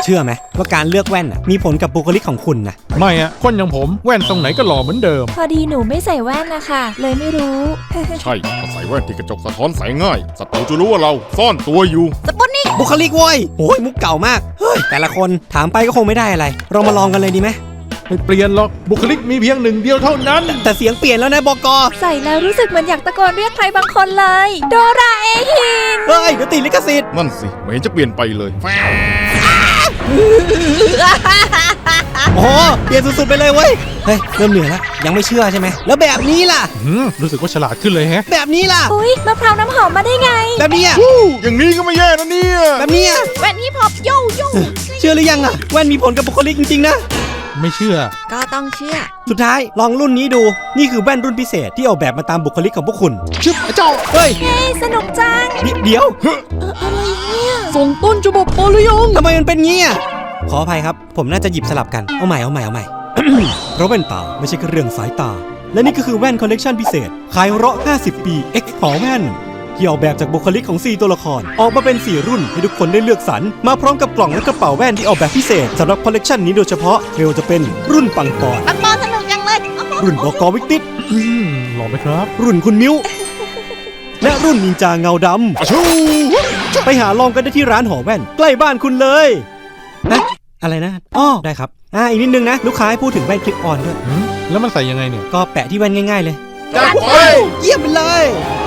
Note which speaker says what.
Speaker 1: เชื่อไหมว่าการเลือกแว่นมีผลกับบุคลิกของคุณนะ
Speaker 2: ไม่อะคนอย่างผมแว่นตรงไหนก็หล่อเหมือนเดิม
Speaker 3: พอดีหนูไม่ใส่แว่นนะคะเลยไม่รู้
Speaker 4: ใช่ถ้าใส่แว่นที่กระจกสะท้อนแสงง่ายศัตรูจะรู้ว่าเราซ่อนตัวอยู่
Speaker 3: สปุตนิก
Speaker 1: บุคลิกโว้ยโอ้ยมุกเก่ามากเฮ้ยแต่ละคนถามไปก็คงไม่ได้อะไรเรามาลองกันเลยดีไหม
Speaker 2: ไม่เปลี่ยนหรอกบุคลิกมีเพียงหนึ่งเดียวเท่านั้น
Speaker 1: แต่เสียงเปลี่ยนแล้วนะบก.
Speaker 3: ใส่แล้วรู้สึกเหมือนอยากตะโกนเรียกใครบางคนเลยโดราเอฮิน
Speaker 1: เฮ้ยเดี๋ยวติดลิขสิทธิ์
Speaker 4: นั่นสิไม่เห็นจะเปลี่ยนไปเลย
Speaker 1: โอ้โหเปลี่ยนสุดๆไปเลยเว้ยเฮ้ยเริ่มเหนื่อยแล้วยังไม่เชื่อใช่ไหมแล้วแบบนี้ล่ะ
Speaker 2: รู้สึกว่าฉลาดขึ้นเลยแฮะ
Speaker 1: แบบนี้ล่ะ
Speaker 3: อุ๊ยมะพร้าวน้ำหอมมาได้ไง
Speaker 1: แบบนี้
Speaker 4: อย่างนี้ก็ไม่แย่นะเนี่ย
Speaker 1: แบบนี้
Speaker 3: แว่นฮิปฮอปโยโย่
Speaker 1: เชื่อหรือยังแว่นมีผลกับบุคลิกจริงๆนะ
Speaker 2: ไม่เชื่อ
Speaker 3: ก็ต้องเชื่อ
Speaker 1: สุดท้ายลองรุ่นนี้ดูนี่คือแว่นรุ่นพิเศษที่ออกแบบมาตามบุคลิกของพวกคุณ
Speaker 2: ชึบเจ้า
Speaker 1: เฮ้ย
Speaker 3: สนุกจัง
Speaker 1: เดี๋ยว
Speaker 3: อะไรเนี่ย
Speaker 2: ส่งต้นฉบับปอหรือยัง
Speaker 1: ทำไมมันเป็นงี้ขออภัยครับผมน่าจะหยิบสลับกันเอาใหม่ เพราะแว่นตาไม่ใช่แค่เรื่องสายตาและนี่ก็คือแว่นคอลเลกชันพิเศษขายเราะ50 ปี X หอแว่นที่ออกแบบจากบุคลิกของ4ตัวละครออกมาเป็น4รุ่นให้ทุกคนได้เลือกสรรมาพร้อมกับกล่องและกระเป๋าแว่นที่ออกแบบพิเศษสำหรับคอลเลกชันนี้โดยเฉพาะไม่ว่าจะเป็นรุ่นปังปอน
Speaker 3: สนุกจังเลย
Speaker 1: รุ่นบก.วิกติด
Speaker 2: หล่อไหมครับ
Speaker 1: รุ่นคุณมิ้วและรุ่นนินจาเงาดำไปหาลองกันได้ที่ร้านหอแว่นใกล้บ้านคุณเลยนะอะไรนะได้ครับอีกนิดนึงนะลูกค้าให้พูดถึงแว่นคลิปออนด้วย
Speaker 2: แล้วมันใส่ยังไงเนี่ย
Speaker 1: ก็แปะที่แว่นง่ายๆเลย
Speaker 4: จัดไป
Speaker 1: เยี่ยมไปเลย